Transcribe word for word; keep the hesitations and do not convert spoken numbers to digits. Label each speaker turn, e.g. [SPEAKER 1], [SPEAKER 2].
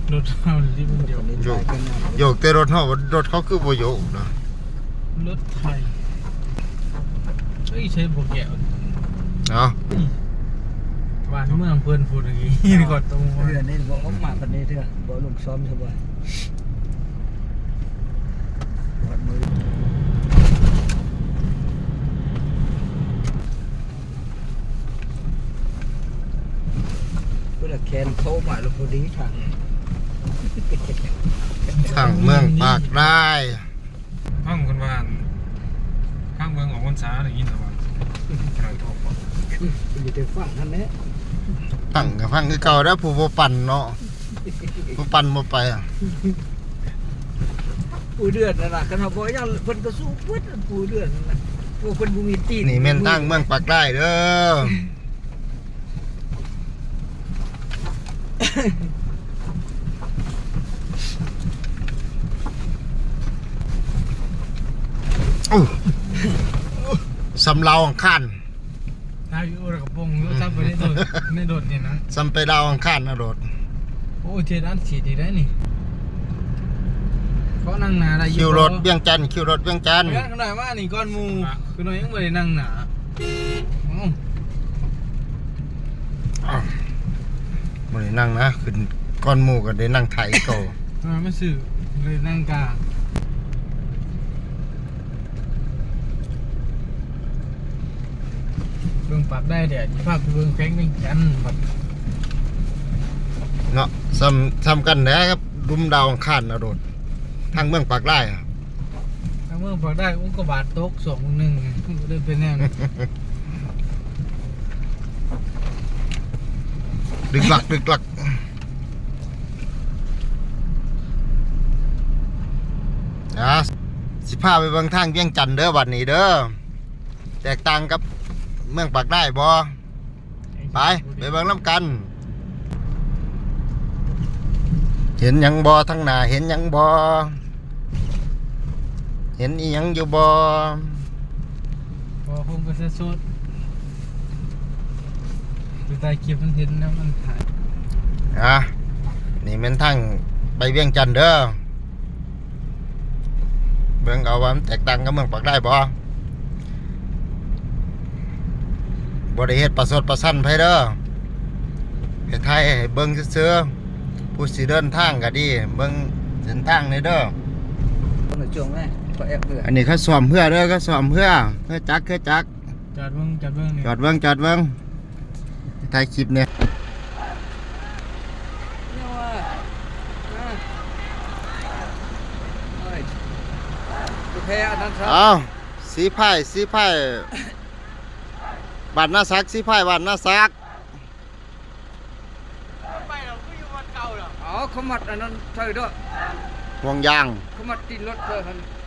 [SPEAKER 1] รถเฮาที่มันเดียว
[SPEAKER 2] โยกโยกแต่รถเฮารถเขาคือบ่โยกนะ
[SPEAKER 1] รถไทยเฮ้ยใช้โบแก้ว
[SPEAKER 2] เนาะ
[SPEAKER 1] บ้านเมืองเพิ่นพูดอย่างนี้นี่ก่อนตรง
[SPEAKER 3] เรือนี่บ่ออกมาปานนี้เด้อบ่ลงซ้อมซะบ่วัดมือเพื่อแคนโทรมาแล้วพอดีทาง
[SPEAKER 2] ทางเมืองปากได้
[SPEAKER 4] ข้างคนบ้านข้างเมืองออกพรรษาอย่างนี้เหรอวะกลางทอง
[SPEAKER 3] อยู่แต่ฝั่งนั่นแหละ
[SPEAKER 2] ตั้งกับฟังคือเก่าแล้วผู้บ่ปั่นเนาะผู้ปั่นบ่ไปอ่ะ
[SPEAKER 3] ปูเดือนนั่นน่ะคันเฮาบ่ยังเพิ่นก็สู้เพิ่นปูเดือนนั่นน่ะพวกเพิ่นบ่มีตีน
[SPEAKER 2] นี่แม่นทางเมืองปากได้เด้อโอ้สำเราอังคาร
[SPEAKER 1] นายอยู่ระกระโปรงรถซับไปในโดดในโดดเนี่ยนะ
[SPEAKER 2] สำไปดาวอังคารนะโดด
[SPEAKER 1] โอ้เจด้านฉีดดีได้นี่เขานั่งหนาได้
[SPEAKER 2] คิวรถเวียงจันทน์คิวรถเวียงจันทน์
[SPEAKER 1] เพื่อนขนาดว่านี่ก้อนมูคือน้อยยังไม่ได้นั่งหนาอ๋อ
[SPEAKER 2] อ้าวบ่ได้นั่งนะขึ้นก้อนหมู่ก็ได้นั่งไถเก่า
[SPEAKER 1] ทำไมไม่สื่อเลยนั่งกลางเบิ่งปรับได้เดี๋ยวภาพเบิ่งแข้งเป็นกันแบบ
[SPEAKER 2] เนาะซ้ำซ้ำกันแหนะครับดุมดาวอังคารนะโดดทางเมืองปากได้อะ
[SPEAKER 1] ถ้าเมื่อปรับได้อุ้งกบาทตกสองหนึ่งเดินเป็นแน่นะ
[SPEAKER 2] ดึกหลักดึกหลักนะสิพาไปเบิ่งทางเวียงจันทน์เด้อบัดนี้เด้อแตกต่างกับเมืองปากได้บ่ไปไปเบิ่งน้ำกัน เห็นหยังบ่ทั้งหน้าเห็นหยังบ่เห็นอีหยังอยู่บ่
[SPEAKER 1] พอคงก็จะสุดดูใต้คลิปมันเห็นแล้วมันถ่าย
[SPEAKER 2] อ่ะนี่แม่นทางไปเวียงจันทน์เด้อเบิ่งเอาว่ามันแตกต่างกับเมืองปากได้บ่บ่ได้เฮ็ดประสดประสันไผเด้อเฮ็ดไทยให้เบิ่งซื่อๆผู้สิเดินทางก็ดีเบิ่งเส้นทางนี่เด้อ
[SPEAKER 3] ในช่วงแรกก็แอบเรือ
[SPEAKER 2] อันนี้เขาซ่อมเพื่อเด้อเขาซ่อมเพื่อเพื่อจักเพื่อจัก
[SPEAKER 1] จอดเบิ่งจอดเบิ่งนี่
[SPEAKER 2] จอดเบิ่งจอดเบิ่งถ่ายคลิปเนี่ย
[SPEAKER 3] เนี่ยว่าอ่าเอ้ยโอเคอันนั้นครับ
[SPEAKER 2] เอาสีไผ่สีไผ่บ้านนาซักสีไผ่บ้านนาซัก
[SPEAKER 1] ไปเราก็อยู่วันเก่าเหรอ
[SPEAKER 3] อ๋อเขามัดอันนั้นเธอด้วย
[SPEAKER 2] ห่วงยาง
[SPEAKER 3] เขามัดตีนรถเธอคัน